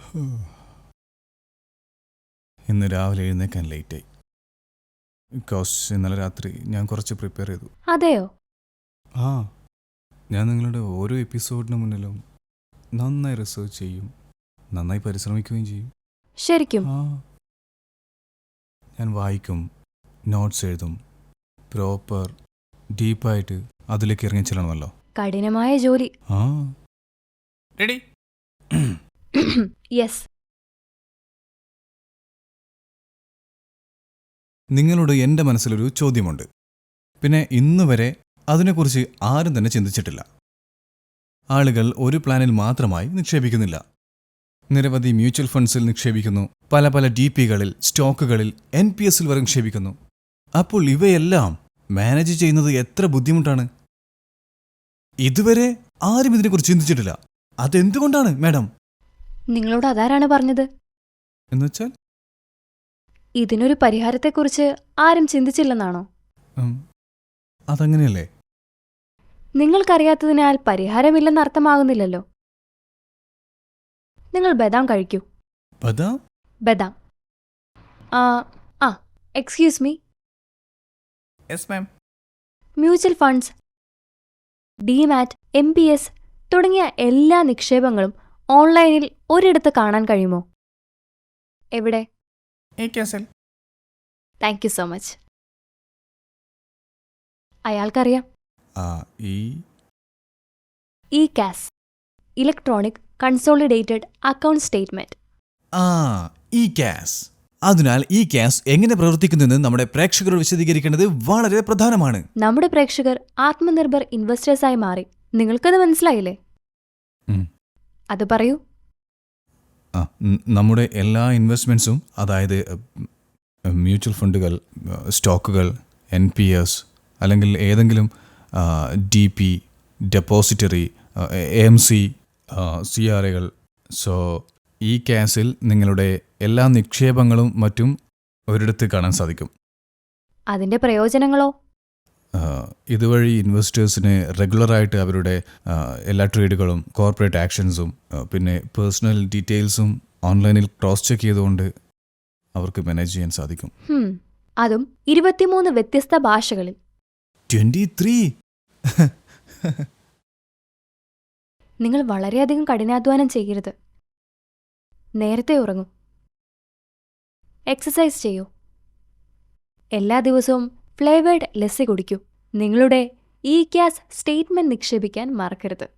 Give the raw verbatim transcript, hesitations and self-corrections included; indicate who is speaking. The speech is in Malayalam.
Speaker 1: ഇന്ന് രാവിലെ എഴുന്നേക്കാൻ ലേറ്റായി. ബിക്കോസ് ഇന്നലെ രാത്രി ഞാൻ കുറച്ച് പ്രിപ്പയർ ചെയ്തു.
Speaker 2: അതെയോ?
Speaker 1: ആ ഞാൻ നിങ്ങളുടെ ഓരോ എപ്പിസോഡിന് മുന്നിലും നന്നായി റിസർച്ച് ചെയ്യും, നന്നായി പരിശ്രമിക്കുകയും ചെയ്യും.
Speaker 2: ശരിക്കും?
Speaker 1: ആ ഞാൻ വായിക്കും, നോട്ട്സ് എഴുതും, പ്രോപ്പർ ഡീപ്പായിട്ട് അതിലേക്ക് ഇറങ്ങി ചെല്ലണമല്ലോ.
Speaker 2: കഠിനമായ ജോലി.
Speaker 1: ആ റെഡി.
Speaker 2: യെസ്.
Speaker 1: നിങ്ങളോട് എൻ്റെ മനസ്സിലൊരു ചോദ്യമുണ്ട്. പിന്നെ ഇന്ന് വരെ അതിനെക്കുറിച്ച് ആരും തന്നെ ചിന്തിച്ചിട്ടില്ല. ആളുകൾ ഒരു പ്ലാനിൽ മാത്രമായി നിക്ഷേപിക്കുന്നില്ല. നിരവധി മ്യൂച്വൽ ഫണ്ട്സിൽ നിക്ഷേപിക്കുന്നു, പല പല ഡി പികളിൽ, സ്റ്റോക്കുകളിൽ, എൻ പി എസിൽ വരെ നിക്ഷേപിക്കുന്നു. അപ്പോൾ ഇവയെല്ലാം മാനേജ് ചെയ്യുന്നത് എത്ര ബുദ്ധിമുട്ടാണ്. ഇതുവരെ ആരും ഇതിനെക്കുറിച്ച് ചിന്തിച്ചിട്ടില്ല. അതെന്തുകൊണ്ടാണ് മാഡം?
Speaker 2: നിങ്ങളോട് അതാരാണ് പറഞ്ഞത്?
Speaker 1: എന്നുവെച്ചാൽ
Speaker 2: ഇതിനൊരു പരിഹാരത്തെക്കുറിച്ച് ആരും ചിന്തിച്ചില്ലെന്നാണോ?
Speaker 1: അതങ്ങനെയല്ലേ?
Speaker 2: നിങ്ങൾക്കറിയാത്തതിനാൽ പരിഹാരമില്ലെന്ന് അർത്ഥമാകുന്നില്ലല്ലോ. നിങ്ങൾ ബദാം കഴിക്കൂ.
Speaker 1: ബദാം?
Speaker 2: ബദാം. ആ ആ excuse me.
Speaker 1: Yes ma'am.
Speaker 2: Mutual funds, demat, M P S തുടങ്ങിയ എല്ലാ നിക്ഷേപങ്ങളും ഓൺലൈനിൽ ഒരിടത്ത് കാണാൻ കഴിയുമോ? എവിടെ? Thank you so much. അയാൾക്കറിയാം. E CAS, electronic consolidated account statement.
Speaker 1: ആ ഇ കാസ്. അതിനാൽ ഇ കാസ് എങ്ങനെ പ്രവർത്തിക്കുന്നെന്ന് നമ്മുടെ പ്രേക്ഷകരോട് വിശദീകരിക്കേണ്ടത് വളരെ പ്രധാനമാണ്.
Speaker 2: നമ്മുടെ പ്രേക്ഷകർ ആത്മനിർഭർ ഇൻവെസ്റ്റേഴ്സായി മാറി. നിങ്ങൾക്കത് മനസ്സിലായില്ലേ? അത് പറയൂ.
Speaker 1: നമ്മുടെ എല്ലാ ഇൻവെസ്റ്റ്മെന്റ്സും, അതായത് മ്യൂച്വൽ ഫണ്ടുകൾ, സ്റ്റോക്കുകൾ, എൻ പി എസ് അല്ലെങ്കിൽ ഏതെങ്കിലും D P, depository, M C, C R എകൾ, സോ ഈ കാസിൽ നിങ്ങളുടെ എല്ലാ നിക്ഷേപങ്ങളും മറ്റും ഒരിടത്ത് കാണാൻ സാധിക്കും.
Speaker 2: അതിന്റെ പ്രയോജനങ്ങളോ?
Speaker 1: ഇതുവഴി ഇൻവെസ്റ്റേഴ്സിന് റെഗുലറായിട്ട് അവരുടെ എല്ലാ ട്രേഡുകളും, കോർപ്പറേറ്റ് ആക്ഷൻസും, പിന്നെ പേഴ്സണൽ ഡീറ്റെയിൽസും ഓൺലൈനിൽ ക്രോസ് ചെക്ക് ചെയ്തുകൊണ്ട് അവർക്ക് മാനേജ് ചെയ്യാൻ സാധിക്കും.
Speaker 2: അതും ഇരുപത്തിമൂന്ന് വ്യത്യസ്ത ഭാഷകളിൽ.
Speaker 1: ട്വന്റി ത്രീ
Speaker 2: നിങ്ങൾ വളരെയധികം കഠിനാധ്വാനം ചെയ്യരുത്. നേരത്തെ ഉറങ്ങൂ, എക്സസൈസ് ചെയ്യൂ, എല്ലാ ദിവസവും ഫ്ലേവേർഡ് ലസ്സി കുടിക്കൂ. നിങ്ങളുടെ ഇ കാസ് സ്റ്റേറ്റ്മെന്റ് നിക്ഷേപിക്കാൻ മറക്കരുത്.